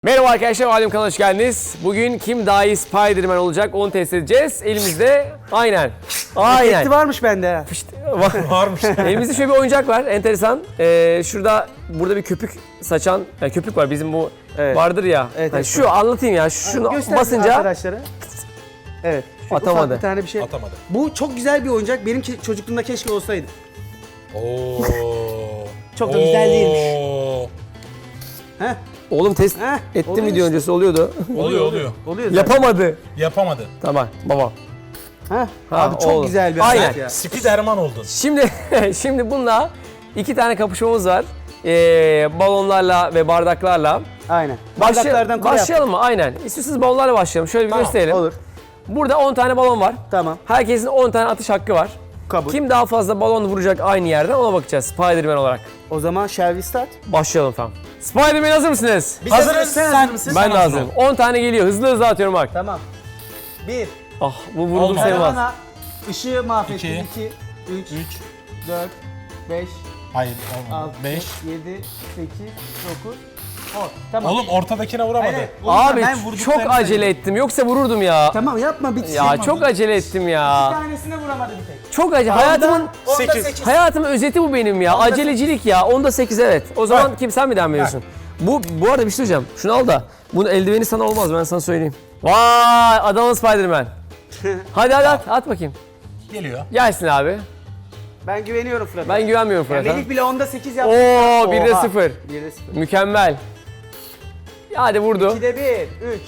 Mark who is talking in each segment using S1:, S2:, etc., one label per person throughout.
S1: Merhaba arkadaşlar, Alem kanalına hoş geldiniz. Bugün kim daha iyi Spider-Man olacak onu test edeceğiz. Elimizde aynen.
S2: Efekti varmış bende ha.
S1: Varmış. Elimizde şöyle bir oyuncak var, enteresan. Burada bir köpük saçan, yani köpük var bizim bu vardır ya.
S2: Evet,
S1: Hani
S2: evet.
S1: şu anlatayım ya, şunu
S2: Göster
S1: basınca
S2: arkadaşlara. Evet. şu
S1: Atamadı.
S2: ufak bir tane bir şey.
S3: Atamadı.
S2: Bu çok güzel bir oyuncak. Benim çocukluğumda keşke olsaydı.
S3: Oo.
S2: Çok da güzel değilmiş. Heh.
S1: oğlum test
S2: Heh,
S1: ettim
S2: oluyor
S1: video
S2: işte.
S1: öncesi oluyordu.
S3: Oluyor.
S2: Oluyor zaten.
S1: Yapamadı.
S3: Yapamadı.
S1: Tamam baba.
S2: Heh.
S1: Ha,
S2: Abi çok
S1: oldu.
S2: güzel bir
S1: Aynen.
S2: alet ya.
S3: Spiderman oldun.
S1: Şimdi bununla iki tane kapışmamız var. Balonlarla ve bardaklarla.
S2: Aynen. Bardaklardan kule yap.
S1: Başlayalım mı? Aynen. İstiyorsanız balonlarla başlayalım. Şöyle bir
S3: Tamam,
S1: gösterelim.
S2: Olur.
S1: Burada 10 tane balon var.
S2: Tamam.
S1: Herkesin 10 tane atış hakkı var.
S2: Kabul.
S1: Kim daha fazla balon vuracak aynı yerden ona bakacağız Spider-Man olarak.
S2: O zaman shall we start?
S1: Başlayalım tamam. Spider-Man hazır mısınız?
S3: Hazırız.
S2: Sen hazır mısın?
S1: Ben de
S3: hazır
S1: hazırım.
S3: ol.
S1: 10 tane geliyor. Hızlı hızlı atıyorum bak.
S2: Tamam. 1.
S1: Ah bu vuruldu
S3: Olmadı.
S1: sayılmaz.
S2: Bana ışığı mahvettin.
S3: İki.
S2: 2, 3,
S3: 3.
S2: 4, 5,
S3: Hayır olmadı.
S2: 6,
S3: 5.
S2: 7, 8, 9, 10. Tamam.
S3: Oğlum ortadakine vuramadı.
S2: Hayır,
S1: Abi
S2: ben
S1: çok
S2: vurduklarını
S1: acele
S2: sayıyorum.
S1: ettim. Yoksa vururdum ya.
S2: Tamam yapma bitsin.
S1: Ya çok acele ettim
S2: Bir
S1: ya.
S2: tanesine vuramadı bir tek.
S1: Çok acele. Hayatımın
S2: Onda
S3: 8.
S1: hayatımın özeti bu benim ya. Acelecilik ya. Onda 8 evet. O zaman kim sen mi devam ediyorsun? Bu arada bir şey söyleyeceğim. Şunu al da. Bunun eldiveni sana olmaz ben sana söyleyeyim. Vay Adana Spider-Man. Hadi at bakayım.
S3: Geliyor.
S1: Gelsin abi.
S2: Ben güveniyorum Fırat'a.
S1: Ben güvenmiyorum
S2: Yani
S1: Fırat'a.
S2: Melih bile onda 8 yaptı.
S1: Oo 1'de
S2: Oha.
S1: 0.
S2: 1'de 0.
S1: Mükemmel. Hadi vurdu.
S2: 2'de 1, 3.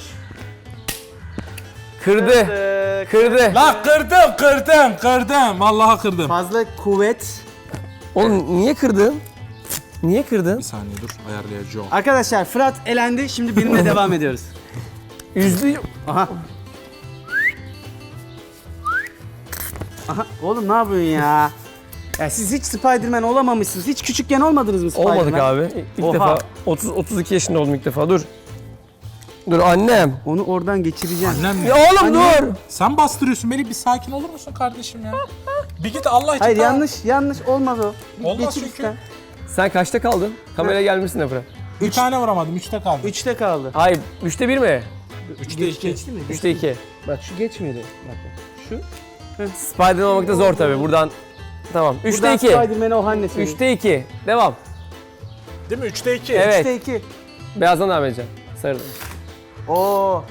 S1: Kırdı. Kırdı.
S3: La kırdım. Vallahi kırdım.
S2: Fazla kuvvet.
S1: Oğlum niye kırdın? Niye kırdın?
S3: Bir saniye dur ayarlayacağım.
S2: Arkadaşlar Fırat elendi. Şimdi benimle devam ediyoruz.
S1: Üzdü.
S2: Aha. Aha. Oğlum ne yapıyorsun ya? Ya siz hiç Spider-Man olamamışsınız. Hiç küçükken olmadınız mı Spider-Man?
S1: Olmadık abi. İlk
S2: Oha.
S1: defa 32 yaşında oldum ilk defa. Dur. Dur annem.
S2: Onu oradan geçireceğim.
S3: Annem mi?
S1: Ya oğlum dur.
S3: Sen bastırıyorsun beni, bir sakin olur musun kardeşim ya? Bir git Allah için.
S2: Hayır
S3: tamam.
S2: yanlış olmaz o.
S3: Olmaz
S2: Geçir
S3: çünkü.
S2: işte.
S1: Sen kaçta kaldın? Kameraya gelmişsin de Fırat.
S3: Bir tane vuramadım. 3'te kaldı.
S2: 3'te kaldı.
S1: Hayır 3'te 1 mi?
S3: 3'te 2.
S2: Geçti mi?
S1: 3'te 2.
S2: Bak şu geçmedi. Bak. Şu.
S1: Spider-Man olmak da zor tabii. Buradan tamam. 3'te
S2: Buradan
S1: 2.
S2: Spider-Man'e o annesi.
S1: 3'te 2. Devam.
S3: Değil mi? 3'te 2.
S1: Evet.
S2: 3'te 2.
S1: Beyazdan devam edeceğim. Sarıdan.
S2: Oo.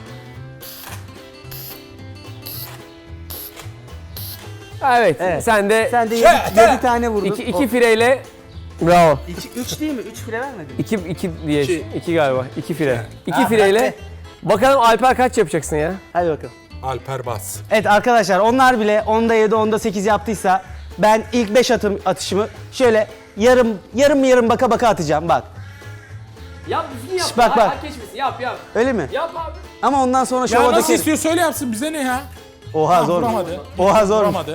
S1: Evet.
S2: Evet.
S1: Sen de
S2: Sen de 7 tane vurdun.
S1: 2 fireyle bravo.
S2: 3 değil mi? 3 file vermedin.
S1: 2 diye.
S3: İki.
S1: 2 galiba. 2 fire. 2
S2: Ha,
S1: fireyle.
S2: hadi.
S1: Bakalım Alper kaç yapacaksın ya?
S2: Hadi bakalım.
S3: Alper bas.
S2: Evet arkadaşlar onlar bile 10'da 7, 10'da 8 yaptıysa ben ilk 5 atışımı şöyle yarım baka baka atacağım bak.
S1: Yap düzgün yap.
S2: Şş, bak, bak.
S1: Hak geçmesin. Yap.
S2: Öyle mi?
S1: Yap abi.
S2: Ama ondan sonra
S3: Ya
S2: şova
S3: nasıl
S2: dökerim.
S3: istiyor söyle yapsın, bize ne ya?
S2: Oha
S3: Tamam,
S2: zor.
S3: vuramadı.
S2: Oha zor.
S3: Vuramadı.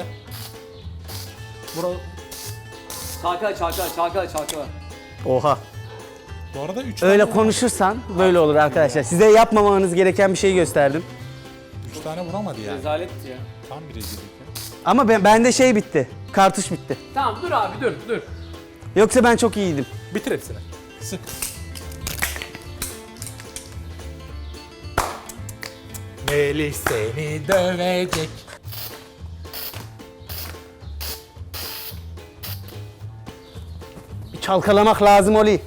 S1: Çalkala.
S2: Oha.
S3: Bu arada 3
S2: Öyle
S3: tane,
S2: konuşursan böyle olur arkadaşlar. Size yapmamanız gereken bir şey gösterdim.
S3: 3 tane vuramadı yani.
S1: Rezalet ya.
S3: Tam bir rezillik.
S2: Ama bende şey bitti. Kartuş bitti.
S1: Tamam dur abi dur.
S2: Yoksa ben çok iyiydim.
S3: Bitir hepsini. Sık. Melih seni dövecek.
S2: Bir çalkalamak lazım Oli.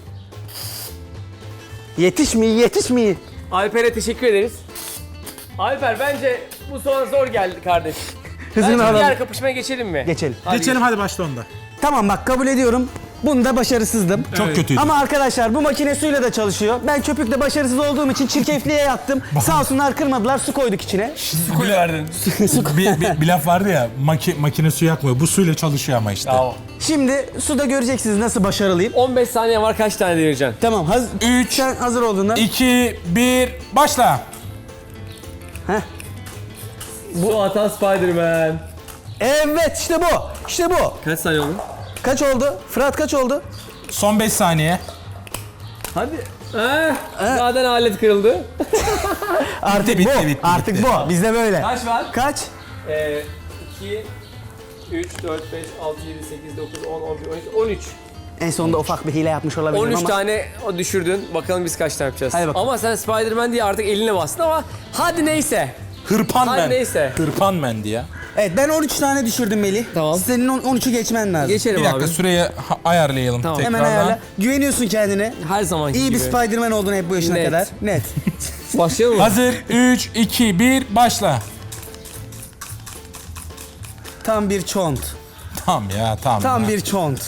S2: Yetişmiyor.
S1: Alper'e teşekkür ederiz. Alper bence bu sonra zor geldi kardeş.
S2: Hızını
S1: Bence
S2: alalım.
S1: diğer kapışmaya geçelim mi?
S2: Geçelim.
S1: Hadi
S3: Geçelim hadi başla onda.
S2: Tamam bak kabul ediyorum. Bunda başarısızdım.
S3: Çok kötüydü.
S2: Ama arkadaşlar bu makine suyla da çalışıyor. Ben köpükle başarısız olduğum için çirkefliğe yattım. Sağ olsunlar kırmadılar, su koyduk içine.
S1: Su verdin.
S3: bir laf vardı ya, makine su yakmıyor. Bu suyla çalışıyor ama işte.
S1: Bravo.
S2: Şimdi suda göreceksiniz nasıl başarılıyım.
S1: 15 saniye var kaç tane devireceksin?
S2: Tamam,
S3: Üç.
S2: sen hazır olduğunda.
S3: 2, 1, başla.
S2: Heh.
S1: Bu atan Spider-Man.
S2: Evet işte bu.
S1: Kaç saniye oldu?
S2: Kaç oldu? Fırat kaç oldu?
S3: Son 5 saniye.
S1: Hadi. Zaten alet kırıldı.
S2: Artık
S3: bitti,
S2: bu.
S3: bitti,
S2: Artık
S3: bitti.
S2: bu. Bizde böyle.
S1: Kaç var?
S2: Kaç?
S1: 2, 3, 4, 5, 6, 7, 8, 9, 10, 11, 12, 13.
S2: En sonunda ufak bir hile yapmış olabilirim
S1: 13
S2: ama.
S1: tane o düşürdün. Bakalım biz kaç tane yapacağız.
S2: Hadi bakalım.
S1: Ama sen Spider-Man diye artık eline bastın ama hadi neyse.
S3: Hırpan
S1: Hadi
S3: men.
S1: neyse.
S3: Hırpan mendi ya.
S2: Evet ben 13 tane düşürdüm Melih.
S1: Tamam.
S2: Senin 13'ü geçmen lazım.
S1: Geçelim
S3: Bir dakika
S1: abi.
S3: süreyi ayarlayalım
S1: Tamam.
S3: tekrardan.
S2: Hemen ayarla. Güveniyorsun kendine.
S1: Her zamanki
S2: İyi
S1: gibi.
S2: bir Spider-Man oldun hep bu yaşına
S1: Net.
S2: kadar. Net.
S1: Başlayalım mı?
S3: Hazır 3, 2, 1 başla.
S2: Tam bir çont.
S3: Tamam ya tamam.
S2: Tam
S3: ya.
S2: bir çont.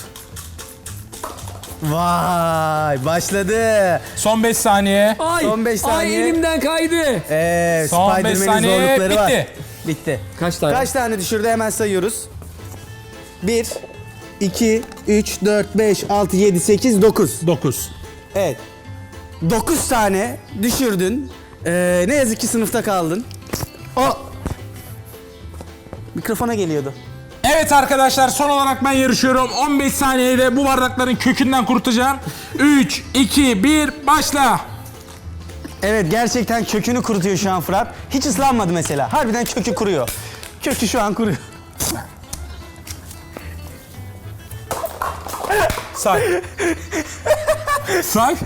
S2: Vay başladı.
S3: Son 5 saniye.
S1: Ay,
S2: Son 5 saniye.
S1: Ay elimden kaydı.
S3: Son 5
S2: Spider-Man'in
S3: saniye
S2: zorlukları var.
S3: bitti.
S2: Bitti.
S1: Kaç tane?
S2: Kaç tane düşürdü hemen sayıyoruz. 1, 2, 3, 4, 5, 6, 7, 8, 9.
S3: 9.
S2: Evet. 9 tane düşürdün. Ne yazık ki sınıfta kaldın. O mikrofona geliyordu.
S3: Evet arkadaşlar son olarak ben yarışıyorum. 15 saniyede bu bardakların kökünden kurutacağım. 3, 2, 1 başla.
S2: Evet gerçekten kökünü kurutuyor şu an Fırat. Hiç ıslanmadı mesela. Harbiden kökü kuruyor. Kökü şu an kuruyor.
S3: Say. Say.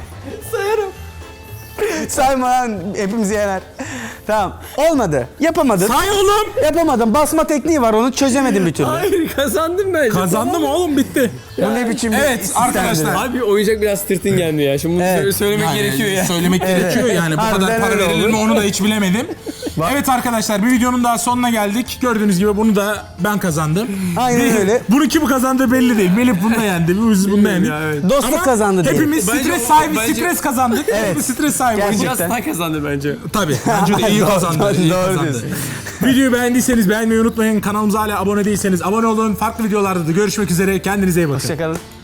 S2: Sayma lan hepimizi yener. Tamam. Olmadı. Yapamadın.
S3: Say oğlum.
S2: Yapamadın. Basma tekniği var onu çözemedim bir türlü.
S1: Hayır kazandım bence.
S3: Kazandım oğlum bitti.
S2: Bu ne biçim bir
S3: Evet
S2: sistemdir?
S3: arkadaşlar.
S1: Abi oyuncak biraz tırtın geldi ya. Şimdi bunu
S2: Evet.
S1: söylemek
S3: Yani
S1: gerekiyor ya.
S3: Söylemek gerekiyor yani bu
S2: Harbiden
S3: kadar para
S2: öyle
S3: verilir
S2: oldu.
S3: mi onu da hiç bilemedim. Evet arkadaşlar bir videonun daha sonuna geldik. Gördüğünüz gibi bunu da ben kazandım.
S2: Aynen öyle.
S3: Bunu kim kazandığı belli değil. Melih bunu da yendi. Biz bunu da yendik.
S2: Dostluk
S3: Ama
S2: kazandı diye.
S3: hepimiz
S1: Bence
S3: stres
S1: o-
S3: sahibi,
S1: bence-
S3: stres kazandık. Hepimiz stres sahibi.
S2: Gerçekten.
S1: Biraz daha kazandı bence.
S3: Tabii. Bence de iyi kazandı. iyi
S2: doğru
S3: kazandı.
S2: diyorsun.
S3: Videoyu beğendiyseniz beğenmeyi unutmayın. Kanalımıza hala abone değilseniz abone olun. Farklı videolarda da görüşmek üzere. Kendinize iyi bakın.
S2: Hoşçakalın.